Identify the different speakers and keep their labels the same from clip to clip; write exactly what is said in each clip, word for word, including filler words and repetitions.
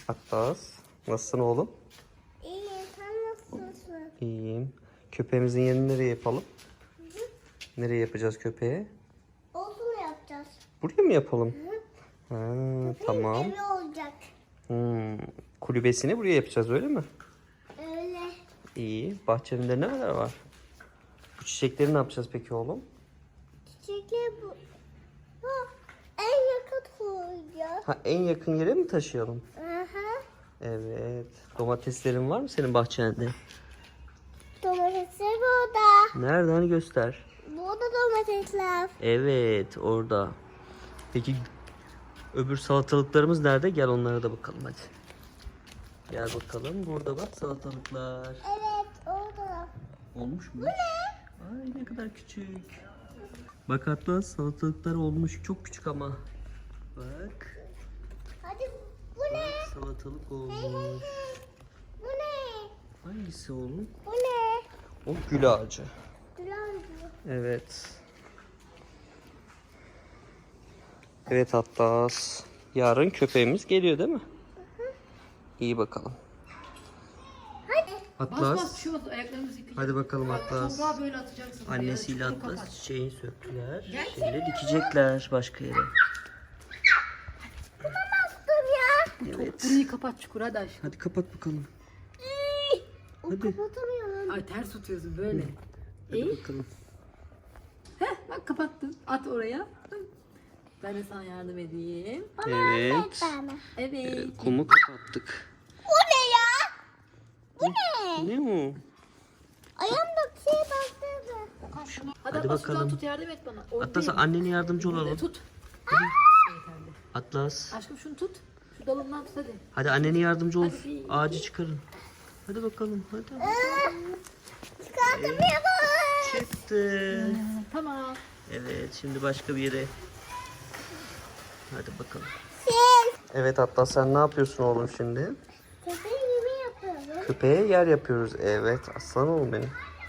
Speaker 1: Atlas. Nasılsın oğlum?
Speaker 2: İyi, sen nasılsın?
Speaker 1: İyiyim. Köpeğimizin yerini nereye yapalım?
Speaker 2: Hı hı.
Speaker 1: Nereye yapacağız köpeğe?
Speaker 2: Olsun yapacağız.
Speaker 1: Buraya mı yapalım?
Speaker 2: Hı.
Speaker 1: Ha,
Speaker 2: Köpeğin
Speaker 1: tamam.
Speaker 2: evi olacak.
Speaker 1: Hmm. Kulübesini buraya yapacağız öyle mi?
Speaker 2: Öyle.
Speaker 1: İyi. Bahçemde neler var? Bu çiçekleri ne yapacağız peki oğlum?
Speaker 2: Çiçekler bu. Ha, en yakın koyacağız.
Speaker 1: Ha, en yakın yere mi taşıyalım?
Speaker 2: Aha.
Speaker 1: Evet. Domateslerin var mı senin bahçende?
Speaker 2: Domatesler burada.
Speaker 1: Nerede? Hani göster.
Speaker 2: Burada domatesler.
Speaker 1: Evet, orada. Peki öbür salatalıklarımız nerede? Gel onlara da bakalım hadi. Gel bakalım. Burada bak salatalıklar.
Speaker 2: Evet, orada.
Speaker 1: Olmuş mu? Ay ne kadar küçük. Bak hatta salatalıklar olmuş. Çok küçük ama. Bak.
Speaker 2: Hadi bu ne?
Speaker 1: Bak salatalık
Speaker 2: Hey hey
Speaker 1: olmuş.
Speaker 2: hey. Bu ne?
Speaker 1: Hangisi oğlum?
Speaker 2: Bu ne?
Speaker 1: O gül ağacı.
Speaker 2: Duran bu.
Speaker 1: Evet. Evet hatta yarın köpeğimiz geliyor değil mi? İyi bakalım.
Speaker 2: Hadi.
Speaker 3: Bas
Speaker 1: Atlas.
Speaker 3: bas şu ayaklarımızı yıkayacağız.
Speaker 1: Hadi bakalım Atlas.
Speaker 3: Toprağı böyle atacaksın.
Speaker 1: Annesiyle
Speaker 3: Çukuru kapat.
Speaker 1: Atlas çiçeği söktüler.
Speaker 3: Gerçekten
Speaker 1: Şimdi dikecekler başka yere.
Speaker 2: Bastım ya.
Speaker 1: Evet.
Speaker 3: Burayı kapat çukur hadi aşkım.
Speaker 1: Hadi kapat bakalım.
Speaker 2: O
Speaker 1: Hadi.
Speaker 2: kapatamıyorum.
Speaker 3: Ay ters tutuyorsun böyle.
Speaker 1: Hadi
Speaker 3: İyi.
Speaker 1: bakalım.
Speaker 3: Heh bak kapattın. At oraya. Ben de sana yardım edeyim.
Speaker 1: Evet.
Speaker 2: Bana.
Speaker 3: Evet.
Speaker 1: Evet, kumu kapattık.
Speaker 2: Bu ne ya? Bu ne?
Speaker 1: Ne o?
Speaker 2: Ayağımda bir şey bastırdı.
Speaker 3: Hadi,
Speaker 1: Hadi
Speaker 3: Atlas
Speaker 1: bakalım.
Speaker 3: şuradan tut yardım et bana. Orada
Speaker 1: Atlas
Speaker 3: değil.
Speaker 1: annene yardımcı
Speaker 3: Burada
Speaker 1: olalım.
Speaker 3: tut. Yeterli.
Speaker 1: Atlas.
Speaker 3: Aşkım şunu tut. Şu dalından tut hadi.
Speaker 1: Hadi annene yardımcı ol.
Speaker 3: Hadi bir-
Speaker 1: Ağacı çıkarın. Hadi bakalım. Hadi.
Speaker 2: Çıkartamıyorum.
Speaker 1: Çıktı.
Speaker 3: Tamam.
Speaker 1: Evet şimdi başka bir yere. Hadi bakalım.
Speaker 2: Siz.
Speaker 1: Evet Atlas sen ne yapıyorsun oğlum şimdi?
Speaker 2: Köpeği gibi yapıyorum.
Speaker 1: Köpeğe yer yapıyoruz. Evet aslan oğlum benim.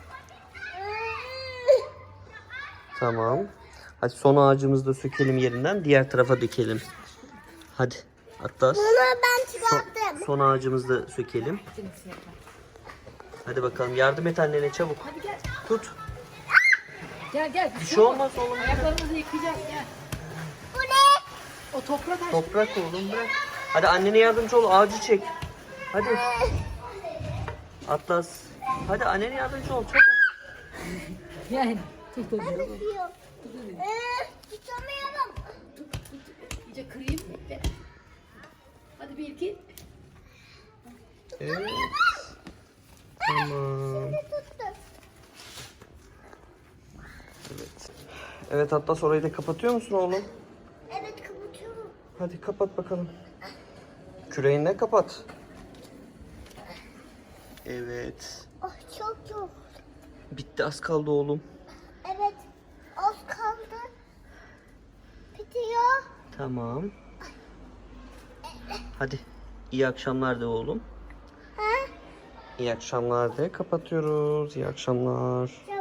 Speaker 1: Tamam. Hadi son ağacımızı da sökelim yerinden. Diğer tarafa dökelim. Hadi Atlas.
Speaker 2: Bunu ben çıkarttım.
Speaker 1: Son ağacımızı da sökelim.
Speaker 3: Seninkisi yapar.
Speaker 1: Hadi bakalım yardım et annene çabuk.
Speaker 3: Hadi gel.
Speaker 1: Tut.
Speaker 3: Gel gel.
Speaker 1: Bir şey olmaz oğlum.
Speaker 3: Ayaklarımızı yıkayacağız gel.
Speaker 2: Bu ne?
Speaker 3: O toprak aşkım.
Speaker 1: Toprak oğlum bırak. Hadi annene yardımcı ol. Ağacı çek. Hadi. Atlas. Hadi annene yardımcı ol. Çabuk.
Speaker 3: Gel. Tut hadi.
Speaker 2: Tutuyor. Ee, tutamıyorum.
Speaker 3: İyice kırayım. Ve- Hadi bir iki.
Speaker 1: Evet. Tamam.
Speaker 2: Tuttum.
Speaker 1: Evet. Evet Atlas orayı da kapatıyor musun oğlum?
Speaker 2: Evet kapatıyorum.
Speaker 1: Hadi kapat bakalım. Küreğinle kapat. Evet.
Speaker 2: Oh çok çok.
Speaker 1: Bitti az kaldı oğlum.
Speaker 2: Evet. Az kaldı. Bitiyor.
Speaker 1: Tamam. Hadi. İyi akşamlar de oğlum.
Speaker 2: Ha?
Speaker 1: İyi akşamlar de kapatıyoruz. İyi akşamlar.
Speaker 2: Çok